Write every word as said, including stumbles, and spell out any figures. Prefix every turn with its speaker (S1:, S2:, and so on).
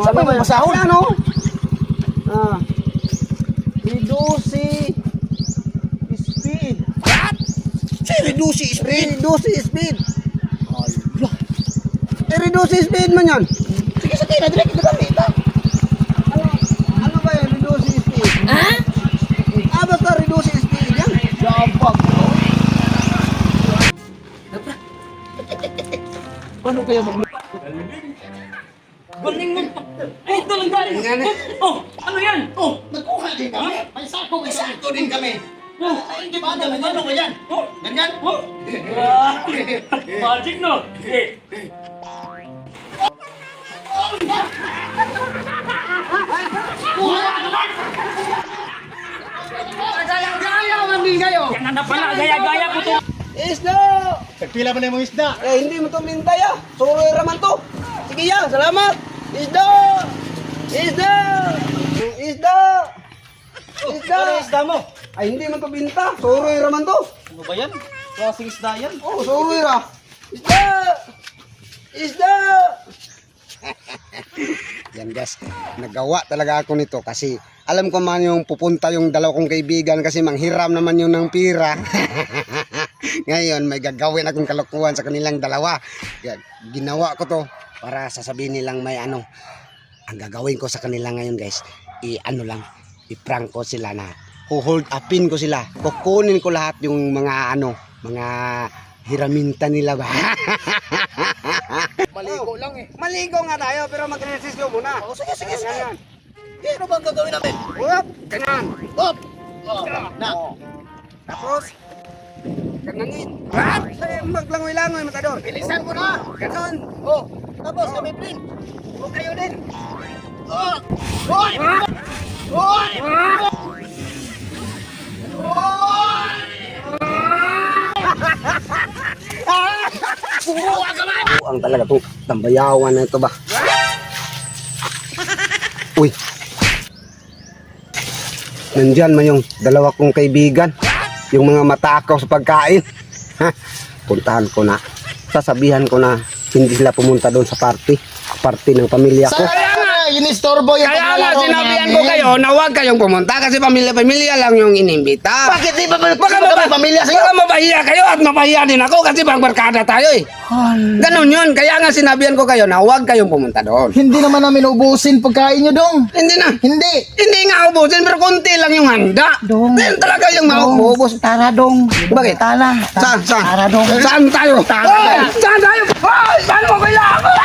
S1: Sabi mo masahol.
S2: Ano? Ah. Reduce speed.
S1: What? Si reduce speed.
S2: Reduce speed. Allah. Eh, reduce speed man yan.
S1: Sige sa tina, direct kita gamit ha.
S2: Ano, ano ba yan? Reduce speed.
S1: Ha?
S2: Ah, basta reduce speed yan.
S1: Jabag. Paano kaya mag...
S3: Galing mo. Ay, ito lang galing. Oh, ano yan? Oh,
S1: Nagkuha din kami. May sako, may sako din kami. Ay, hindi ba? Ano ba yan?
S3: oh,
S1: Ganyan?
S3: oh. Ah, magic no? Eh,
S2: Gaya-gaya man din kayo.
S3: yan na pala, gaya-gaya ko to.
S2: Isda!
S1: Nagpila ba na yung isda?
S2: Eh, hindi mo to mintay ah. Suroy raman to. Sige ya, salamat. Isda! Isda! Isda! Isda!
S1: Ano isda mo?
S2: Ay, hindi man to binta. Suroy raman to.
S1: Ano ba yan? Klaseng isda yan?
S2: Oh, suroy ra. Isda! Isda! Yan guys, nagawa talaga ako nito kasi alam ko man yung pupunta yung dalawa kong kaibigan kasi manghiram naman yun ng pira. Ngayon may gagawin akong kalokohan sa kanilang dalawa. Kaya ginawa ko to para sasabihin nilang may ano. Ang gagawin ko sa kanila ngayon guys, i-ano lang, i-prank ko sila na hold upin ko sila. Kukunin ko lahat yung mga ano, mga hiraminta nila ba.
S1: Maligo lang eh.
S2: Maligo nga tayo pero mag-resisyo muna.
S1: Oh, sige, sige, sige.
S2: Ganyan.
S1: Eh, ano bang gagawin namin?
S2: Up, ganyan.
S1: Up! Oh, na.
S2: Tapos, gananin. What? Maglangoy-langoy, matador.
S1: Bilisan mo na.
S2: Ganon.
S1: Oh, tapos kami din.
S2: O kayo din.
S1: Oh! Hoy! Hoy!
S2: Ang talaga itong tambayawan na ito ba? Uy. Nandyan man yung dalawa kong kaibigan. Yung mga matakaw sa pagkain. Ha? Puntahan ko na. Sasabihan ko na hindi sila pumunta doon sa party. Party ng pamilya ko.
S1: Kaya nga, inistorbo yung
S2: Kaya nga
S1: paglalaro
S2: sinabihan
S1: namin.
S2: ko kayo na huwag kayong pumunta kasi pamilya-pamilya lang yung inimbita.
S1: Bakit di ba baka
S2: Baka
S1: kami
S2: maba-
S1: pamilya sa'yo?
S2: Baka mabahiya kayo at mabahiya din ako kasi bang barkada tayo eh. Ganon yun. Kaya nga sinabihan ko kayo na huwag kayong pumunta doon.
S1: Hindi naman namin ubusin pagkain nyo dong.
S2: Hindi na.
S1: Hindi.
S2: Hindi nga ubusin pero konti lang yung handa.
S1: Dong.
S2: Yan talaga yung maubos.
S1: Tara dong.
S2: Bakit?
S1: Tara.
S2: Saan? Saan?
S1: Tara dong.
S2: Saan tayo?
S1: Tara.
S2: Hoy! Saan tayo? Hoy! Saan mo kailangan?